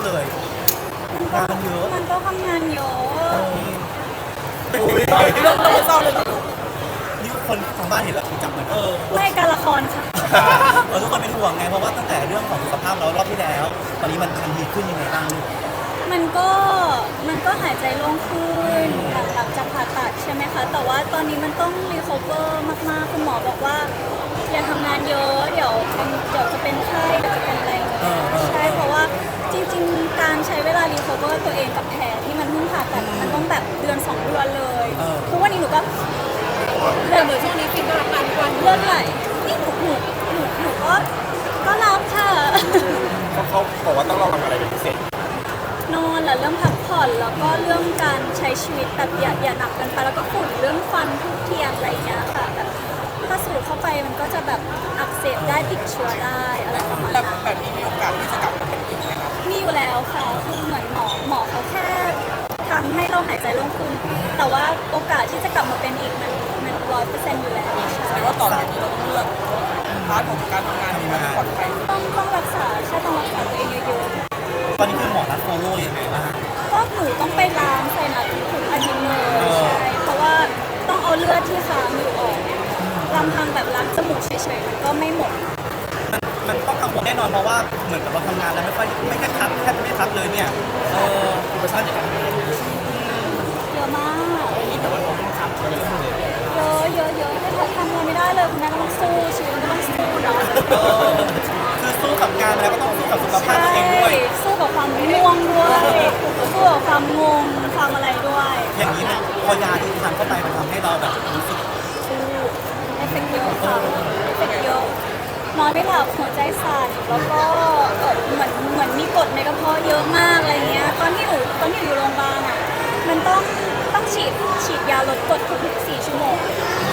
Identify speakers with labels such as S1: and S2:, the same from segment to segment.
S1: เลยงานเยอะ
S2: มันก็ทำงานเยอะ
S1: เรื่องเศร้าเลยนี่คนทางบ้านเห็นแล้วจับมัน
S2: ไม่การละครค่ะ
S1: ทุกคนเป็นห่วงไงเพราะว่าตั้งแต่เรื่องของสุขภาพเรารอบที่แล้วตอนนี้มันดีขึ้นยังไงบ้างลูก
S2: มันก็หายใจโล่งขึ้นหลังจากผ่าตัดใช่ไหมคะแต่ว่าตอนนี้มันต้องรีคอเวอร์มากๆคุณหมอบอกว่าอย่าทำงานเยอะเดี๋ยวจะเป็นไข้เดี๋ยวจะเป็นอะไรใช่เพราะว่าจริงๆการใช้เวลารีคอเวอร์ตัวเองกับแผลที่มันเพิ่งผ่าตัดมันต้องแบบเดือน2 เดือนเลยทุกวันนี้หนูก็เดือนช่วงนี้ฟินก็รับการวันเลือดไหลนี่หนูก็รับค่ะ
S3: เขาบอกว่าต้องลองทำอะไรเป็นพิเศษ
S2: นอนและเรื่องพักผ่อนแล้วก็เรื่องการใช้ชีวิตแบบอย่าหนักกันไปแล้วก็ฝุ่นเรื่องฟันทุกเทียนอะไรอย่างเงี้ยค่ะแบบถ้าสูดเข้าไปมันก็จะแบบอักเสบได้ติดเชื้อได้อะไรประมาณนั้น
S3: แบบนี้มีโอกาสที่จะกลับมาเป็นอีกไหมครับ
S2: มีอยู่แล้วค่ะคือเหมือนหมอเขาแค่ทำให้เราหายใจโล่งขึ้นแต่ว่าโอกาสที่จะกลับมาเป็นอีกมัน100%อยู่แล้ว
S3: แสดงว่าตอนนี้เราต้องเลือกพาร์ทของการทำงานที่มันปลอดภัย
S2: ต้องรักษาต้องรักษาตัวเองเยอะ
S1: ๆตอนนี้คือหมอนัดโฟโล่ยังไงบ้าง
S2: ก็หนูต้องไปล้างไซนัสทุกอาทิตย์เลยใช่เพราะว่าต้องเอาเลือดที่ค้างอยู่ออกลำพังแบบล้างจมูกเฉยๆมันก็ไม่หมด
S1: มันต้องกังวลแน่นอนเพราะว่าเหมือนกับเราทำงานแล้วไม่แค่ทับแทบไม่ทับเลยเนี่ยอุปสรรคอย่างไร
S2: เยอะมาก
S3: แต่ว่าเราต้องทำ
S2: เยอะให้ทำอะไรไม่ได้เลยคุณแม่ก็ต้องสู้ชีวิตก็ต้องสู้เนาะ
S1: คือสู้กับงานแล้วก็ต้องสู้กับสุขภาพตัวเองด้วย
S2: สู้กับความง่วงด้วยสู้กับความงงความอะไรด้วย
S1: อย่างนี้พอยาที่ทานเข้าไปมันทำให้เราแบบรู้สึก
S2: เอฟเฟกต์เยอะค่ะเอฟเฟกต์เยอะนอนไม่หลับหัวใจสั่นแล้วก็เหมือนมีกรดในกระเพาะเยอะมากอะไรเงี้ยตอนที่อยู่โรงพยาบาลอ่ะมันต้องฉีดยาลดกรดทุก4 ชั่วโมง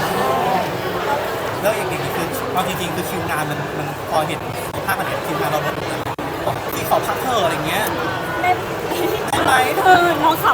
S1: แล้วอย่างนี้คือเอาจริงๆคือคิวงานมันพอเห็นภาพมันเห็นคิวงานเราลดที่ขอพักเธออะไรเงี้ย
S2: ได้ไหมน้องขับ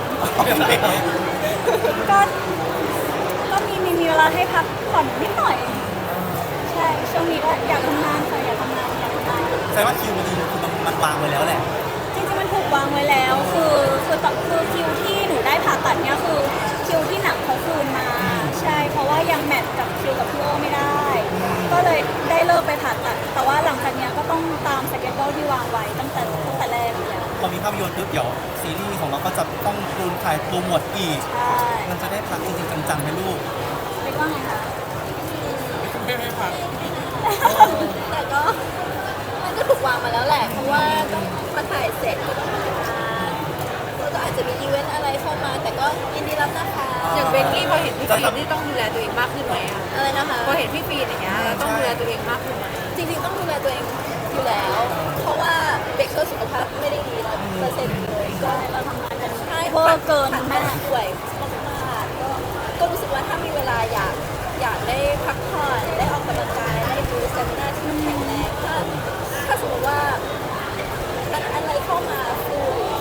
S2: ก็มีเวลาให้พักผ่อนนิดหน่อยใช่ช่วงนี้ก็อยากทำงานค่ะอยากทำงาน
S1: แสดงว่าคิวมันดีคือมันวางไว้แล้วแหละ
S2: จริงๆมันถูกวางไว้แล้วคือคิวที่หนูได้ผ่าตัดเนี่ยคือคิวที่หนักเขาคืนมาใช่เพราะว่ายังแมทกับคิวกับพี่โอไม่ได้ก็เลยได้เลิกไปผ่าตัดแต่ว่าหลังจากนี้ก็ต้องตามสเกจโดที่วางไว้ตั้งแต่แรกเลย
S1: พอมีภาพยนตร์ปุ๊บเดี๋ยวซีรีส์ของเราก็จะต้องถ่ายโปรโมทอีกมันจะได้พักจริงๆจังๆไหมลูก
S2: เรียกว่าไงคะ
S3: ไม่พัก
S2: แต่ก็มันก็ถูกวางมาแล้วแหละเพราะว่าต้องมาถ่ายเสร็จก็ต้องมาทำงานก็อาจจะมีอีเวนต์อะไรเข้ามาแต่ก็ยินดีรับนะคะ
S4: อย่างเบกกี้พอเห็นพี่ฟีนที่ต้องดูแลตัวเองมากขึ้นไหมอะ
S2: อะไรนะคะ
S4: พอเห็นพี่ฟีนอย่างเงี้ยต้องดูแลตัวเองมากขึ้นไหม
S2: จริงๆต้องดูแลตัวเองอยู่แล้วเพราะว่าเบกก็สุขภาพไม่ได้ดี100%เลยก็เราทำงานกันใช่เวอร์เกินแม่ป่วยมากๆก็รู้สึกว่าถ้ามีเวลาอยากได้พักผ่อนได้ออกกำลังกายได้ดูสเตมินาที่มันแข็งแรงถ้าสมมติว่าอะไรเข้ามาฟู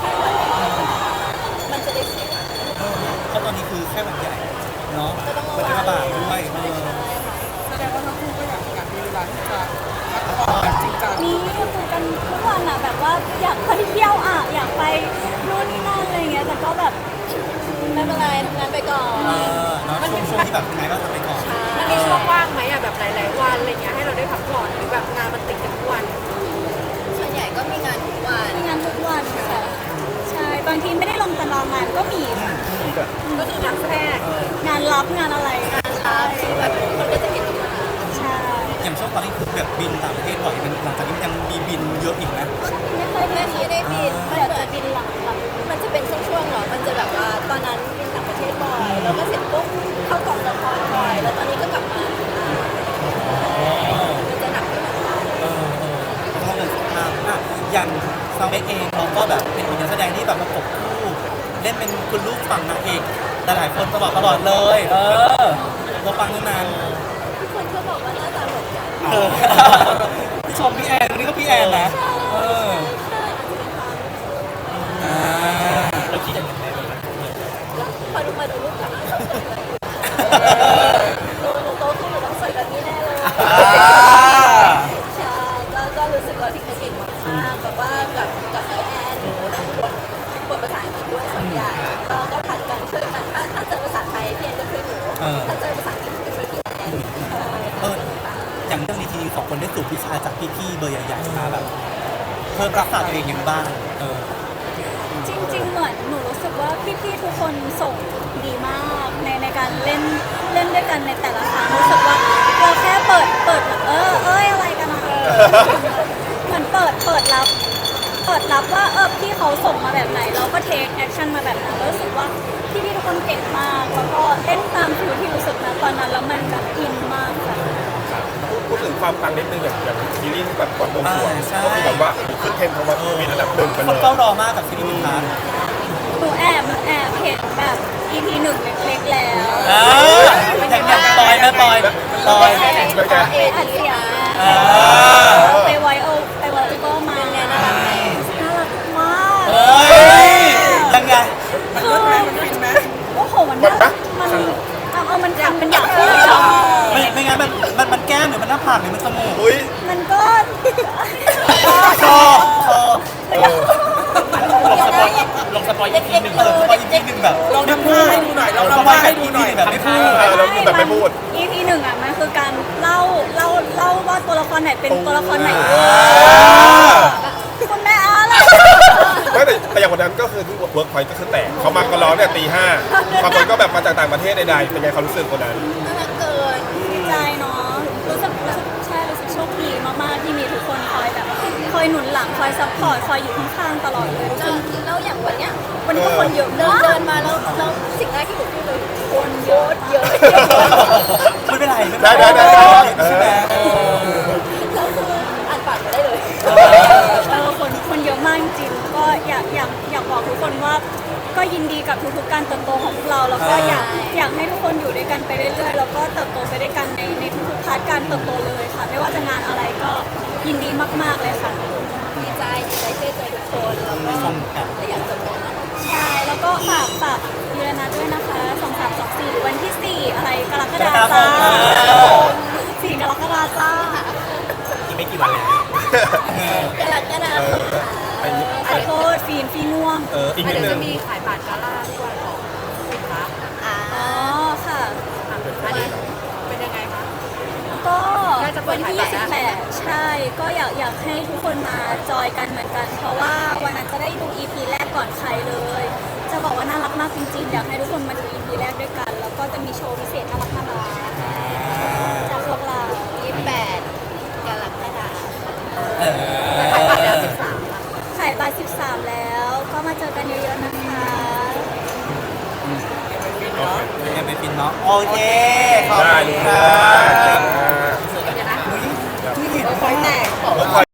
S2: มันจะได้เสีย
S1: เพราะตอนนี้คือแค่วันใหญ่เนาะมันจะระบาดด้วย
S3: แสดงว่าทั้งคู่ก็อยากมีเวลาที่จะพักผ่อนจริงจัง
S2: นี่คุยกันทุกวันอ่ะแบบว่าอยากไปเที่ยวอ่ะอยากไปนู่นนี่นั่นอะไรเงี้ยแต่ก็แบบไม่เป็นไรทำงานไปก่อน
S1: มันเป็นช่วงที่แบบไงก็ทำไปก่อน
S4: มันมีช่วงว่างไหมอะแบบหลายๆวันอะไรเงี้ยให้เราได้พักผ่อนหรือแบบงานมันติดกันทุกวัน
S2: ส่วนใหญ่ก็มีงานทุกวันค่ะใช่บางทีไม่ได้ลงตารางงานก็มี
S4: ก็คืองานแทรก
S2: งานรับงานอะไรงานรับที่แบบมันก็จะเห็นใช่
S1: อย่างช่วงตอนนี้คือแบบบินต่างประเทศบ่อยมันหลังจากนี้ยังมีบินเยอะอีกไหม
S2: ไม่เคยได้บินเดี๋ยวจะบินหลังมันจะเป็นช่วงๆหรอมันจะแบบว่าตอนนั้นบินต่างประเทศบ่อยแล้วก็เสร็จปุ๊บเข้ากองละครบ่อยแล้วตอนนี้ก็กลับมามันจะหนักขึ้น
S1: เพราะเรื่องสุขภาพอย่างซาวเอ็กเองเราก็แบบเป็นนักแสดงที่แบบประกบคู่เล่นเป็นคุณลูกฝั่งนางเอกแต่หลายคนตลอดเลยเราฟังนั้น
S2: ทุกคนก็บอกว่าหน้าตาเหมือนกัน
S1: ชมพี่แอนนี่ก็พี่แอนนะเราคิดอย่างไรเลย
S2: พอดูมาดูรูปกับโตขึ้นอยู่ต้องสวยแบบนี้แน่เลยใช่ก็รู้สึกว่าพี่เก่งมากแบบว่ากับแอน
S1: ได้สูตรวิชาจากพี่ๆเบอร์ใหญ่ๆมาแบบเพิ่มรักษาตัวเองยังบ้าง
S2: จริงๆเหมือนหนูรู้สึกว่าพี่ๆทุกคนส่งดีมากในการเล่นด้วยกันในแต่ละครั้งรู้สึกว่าเราแค่เปิดอะไรกันนะเหมือนเปิดรับว่าพี่เขาส่งมาแบบไหนเราก็เทคแอคชั่นมาแบบนั้นแล้วรู้สึกว่าพี่ๆทุกคนเก่งมากแล้วก็เล่นตามฟิลที่รู้สึกนะตอนนั้นแล้วมันแบบอินมากค่ะ
S5: พูดถึงความปังนิดนึงอย่างซีรีส์ที่แบบก่อนวงสรวงก็คือแบบว่าขึ้นเทรนด์ทวัตมีอันดับหนึ่งไป
S1: ค
S5: เล
S1: น
S5: ย
S1: เฝ้ารอมากกับซีรีส์มินทาร์
S2: หนูแอบเห็นแบบ EP 1เล็กๆแล้ว
S1: อย่างปอยนะปอย
S2: อัดเสียงไปไวโอก็มาน่ารักมาก
S1: ยังไง
S3: มันฟินไหม
S2: โอ้โหมันมันทำเป็นอยากพูด
S1: ไม่งั้นมันแก้มหรือมันหน้าผากหรือมันจมูก
S5: อุ้ย
S2: มันก็
S1: คอลงสปอยอีกทีหนึ่งสปอยอีกทีหนึ่งแบบ
S3: ลองทำท่าให้ดูหน่อยลองทำท่าให้ดูหน่อย
S1: แบบไม่พูด
S5: เราคือแบบไม่พูด
S2: EP 1อ่ะมันคือการเล่าว่าตัวละครไหนเป็นตัวละครไหนคุณแม่อะไร
S5: ไม่แต่อย่างวันนั้นก็คือที่เวิร์กพอยต์ก็คือแตกเขามากันร้องเนี่ยตี 5บางคนก็แบบมาจากต่างประเทศใดๆเป็นไงความรู้สึกคนนั้น
S2: น่ารักเกินดีใจเนาะรู้สึกโชคดีมากๆที่มีทุกคนคอยหนุนหลังคอยซัพพอร์ตคอยอยู่ข้างๆตลอดเลยแล้วอย่างวันเนี้ยวันนี้ก็คนเยอะเดินมาแล้วสิ่งแรกที่หนูพูดเลยคนเยอะ
S1: ไม่เป็นไร
S5: ได้
S1: ใช่ไหม
S2: แล้วคืออ่านปากไม่ได้เลยคนเยอะมากจริงๆก็อยากบอกทุกคนว่าก็ยินดีกับทุกๆการเติบโตของพวกเราแล้วก็อยากให้ทุกคนอยู่ด้วยกันไปเรื่อยๆแล้วก็เติบโตไปด้วยกันในทุกๆพาร์ทการเติบโตเลยค่ะไม่ว่าจะงานอะไรก็ยินดีมากๆเลยค่ะดีใจที่ได้เจอทุกคนแล้วก็อยากจะบอกใช่แล้วก็ฝากยูเรนัสด้วยนะคะ2324วันที่4อะไรกรกฎาคม4กรกฎาคม
S1: อีกไม่กี่วันแล้ว
S2: กรกฎาคมขอโทษฟีง่วง
S5: อีกนิด
S4: เดี๋ยว
S5: นึ
S4: จะ
S5: ง
S4: มีขายบัตรกาล่าด้วยของสินค้า
S2: อ๋อค่ะ
S4: อันนี้เป็นยังไงคะ
S2: ก็วันที่28ใช่ ก็อยากให้ทุกคนมาจอยกันเหมือนกัน เพราะว่าวันนั้นจะได้ดู EP แรกก่อนใครเลย จะบอกว่าน่ารักมากจริงๆ อยากให้ทุกคนมาดู EP แรกด้วยกัน แล้วก็จะมีโชว์พิเศษน่ารักจากพวกเรา28กรกฎาคมขายบัตร13แล้วก็มาเจอกันเยอะๆนะคะ
S1: ยังเป็นฟินเนาะโอเคขอบ
S5: ได้
S1: คุณ
S5: ค
S1: ค
S5: รั
S1: รับ บ